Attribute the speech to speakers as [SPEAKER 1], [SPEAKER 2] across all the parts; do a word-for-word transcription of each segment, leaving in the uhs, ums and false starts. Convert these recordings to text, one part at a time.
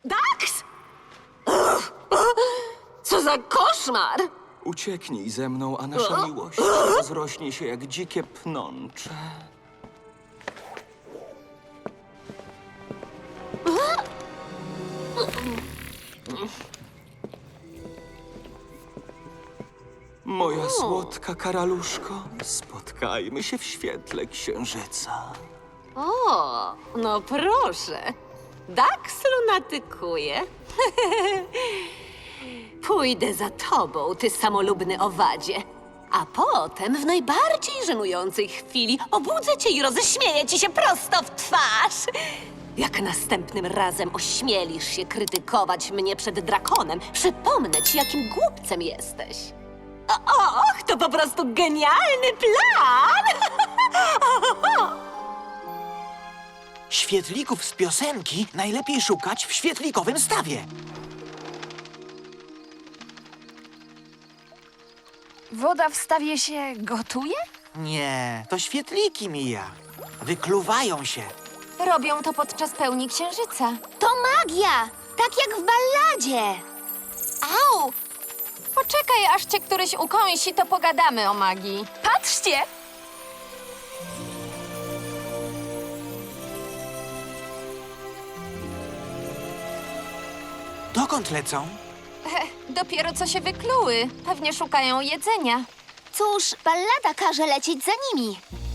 [SPEAKER 1] Dax! Co za koszmar!
[SPEAKER 2] Ucieknij ze mną, a nasza miłość rozrośnie się jak dzikie pnącze. Moja słodka karaluszko, spotkajmy się w świetle księżyca.
[SPEAKER 1] O, no proszę. Dax lunatykuje. Pójdę za tobą, ty samolubny owadzie. A potem w najbardziej żenującej chwili obudzę cię i roześmieję ci się prosto w twarz. Jak następnym razem ośmielisz się krytykować mnie przed drakonem, przypomnę ci, jakim głupcem jesteś. O, och, to po prostu genialny plan!
[SPEAKER 3] Świetlików z piosenki najlepiej szukać w świetlikowym stawie.
[SPEAKER 4] Woda w stawie się gotuje?
[SPEAKER 3] Nie, to świetliki, Mija. Wykluwają się.
[SPEAKER 4] Robią to podczas pełni księżyca.
[SPEAKER 5] To magia! Tak jak w balladzie!
[SPEAKER 4] Au! Poczekaj, aż cię któryś ukąsi, to pogadamy o magii. Patrzcie!
[SPEAKER 3] Dokąd lecą?
[SPEAKER 4] Dopiero co się wykluły. Pewnie szukają jedzenia.
[SPEAKER 5] Cóż, ballada każe lecieć za nimi.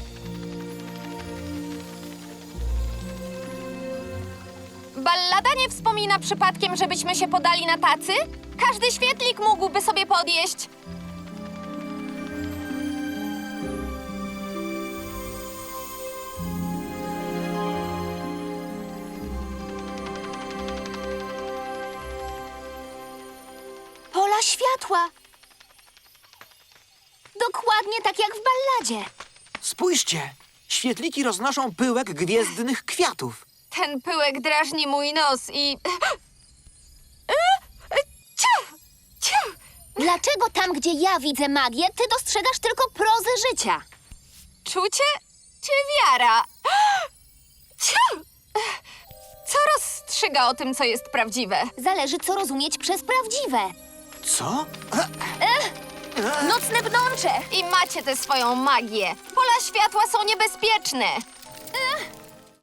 [SPEAKER 4] Ballada nie wspomina przypadkiem, żebyśmy się podali na tacy? Każdy świetlik mógłby sobie podjeść.
[SPEAKER 5] Pola światła. Dokładnie tak jak w balladzie.
[SPEAKER 3] Spójrzcie, świetliki roznoszą pyłek gwiezdnych kwiatów.
[SPEAKER 4] Ten pyłek drażni mój nos i... Ciu! Ciu!
[SPEAKER 5] Dlaczego tam, gdzie ja widzę magię, ty dostrzegasz tylko prozę życia?
[SPEAKER 4] Czucie czy wiara? Ciu! Co rozstrzyga o tym, co jest prawdziwe?
[SPEAKER 5] Zależy, co rozumieć przez prawdziwe.
[SPEAKER 3] Co?
[SPEAKER 5] Nocne bnącze!
[SPEAKER 4] I macie tę swoją magię. Pola światła są niebezpieczne.